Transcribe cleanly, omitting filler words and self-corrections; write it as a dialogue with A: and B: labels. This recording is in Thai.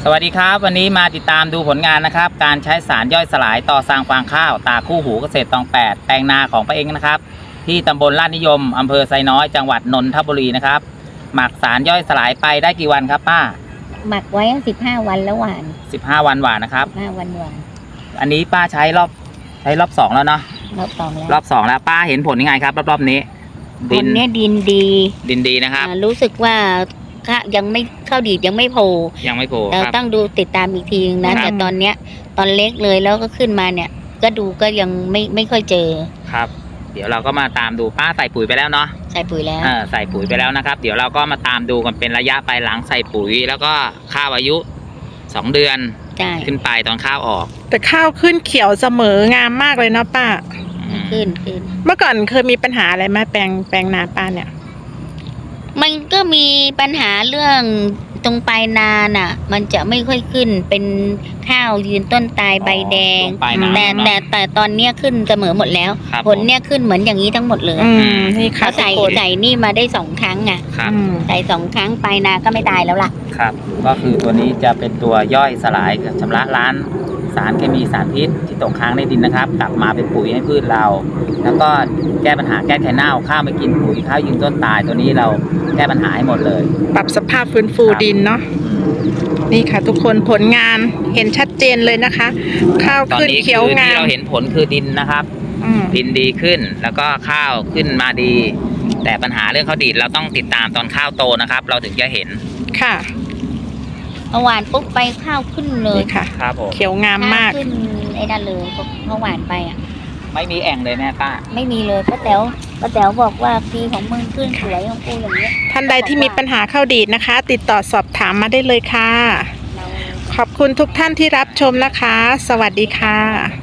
A: สวัสดีครับวันนี้มาติดตามดูผลงานนะครับการใช้สารย่อยสลายต่อสร้างฟางข้าวตาคู่หูเกษตรตอง8แปลงนาของป้าเองนะครับที่ตำบลลาดนิยมอำเภอไซน้อยจังหวัดนนทบุรีนะครับหมักสารย่อยสลายไปได้กี่วันครับป้า
B: หมักไว้15 วันแล้วหวาน
A: 15 วันหวานนะครับ
B: 15 วันหวาน
A: อันนี้ป้าใช้รอบ2แล้วเนาะ
B: รอบ2แล้ว
A: รอบ2แล้วป้าเห็นผลยังไงครับรอบนี้
B: ดินเนี่ยดิน
A: ดีนะครับ
B: รู้สึกว่ายังไม่เข้าดีดยังไม่โผล่เราต้องดูติดตามอีกทีนึงนะแต่ตอนเนี้ยตอนเล็กเลยแล้วก็ขึ้นมาเนี่ยก็ดูก็ยังไม่ค่อยเจอ
A: ครับเดี๋ยวเราก็มาตามดูป้าใส่ปุ๋ยไปแล้วเนาะ
B: ใส่ปุ๋ยแล้ว
A: ใส่ปุ๋ยไปแล้วนะครับเดี๋ยวเราก็มาตามดูกันเป็นระยะไปหลังใส่ปุ๋ยแล้วก็ข้าวอายุ2 เดือนขึ้นไปตอนข้าวออก
C: แต่ข้าวขึ้นเขียวเสมองามมากเลยเนาะป้า
B: ขึ้น
C: เมื่อก่อนเคยมีปัญหาอะไรไหมแปลงนาป้าเนี่ย
B: มันก็มีปัญหาเรื่องตรงปลายนาน่ะมันจะไม่ค่อยขึ้นเป็นข้าวยืนต้นตายใบแดงแต่ตอนเนี้ยขึ้นเสมอหมดแล้วผลเนี้ยขึ้นเหมือนอย่างนี้ทั้งหมดเลย
C: นี่ค่ะ
B: ใส่นี่มาได้2 ครั้งอ่ะใส่2 ครั้งปลายนาก็ไม่ตายแล้วล่ะ
A: ครับก็คือตัวนี้จะเป็นตัวย่อยสลายชำระล้างสารเคมีสารพิษที่ตกค้างในดินนะครับกลับมาเป็นปุ๋ยให้พืชเราแล้วก็แก้ปัญหาแก้ไขเน่าข้าวไม่กินปุ๋ยข้าวยืนต้นตายตัวนี้เราแก้ปัญหาให้หมดเลย
C: ปรับสภาพฟื้นฟูดินเนาะนี่ค่ะทุกคนผลงานเห็นชัดเจนเลยนะคะข้าวขึ้นเขียวงาม
A: ที่เราเห็นผลคือดินนะครับดินดีขึ้นแล้วก็ข้าวขึ้นมาดีแต่ปัญหาเรื่องข้าวดีดเราต้องติดตามตอนข้าวโตนะครับเราถึงจะเห็น
C: ค่ะ
B: หวานปุ๊บไปข้าวขึ้นเลย
C: ค่ะ
A: ครับผม
C: เขียวงามมาก
B: ขึ้นไอ้นั่นเลยเพราะหวานไปอ่ะ
A: ไม่มีแอ่งเลยแม่ป้า
B: ไม่มีเลยป้าแต๋วบอกว่าปีของมึงขึ้นสวยของกูอย่างนี้
C: ท่านใดที่มีปัญหาข้าวดีดนะคะติดต่อสอบถามมาได้เลยค่ะขอบคุณทุกท่านที่รับชมนะคะสวัสดีค่ะ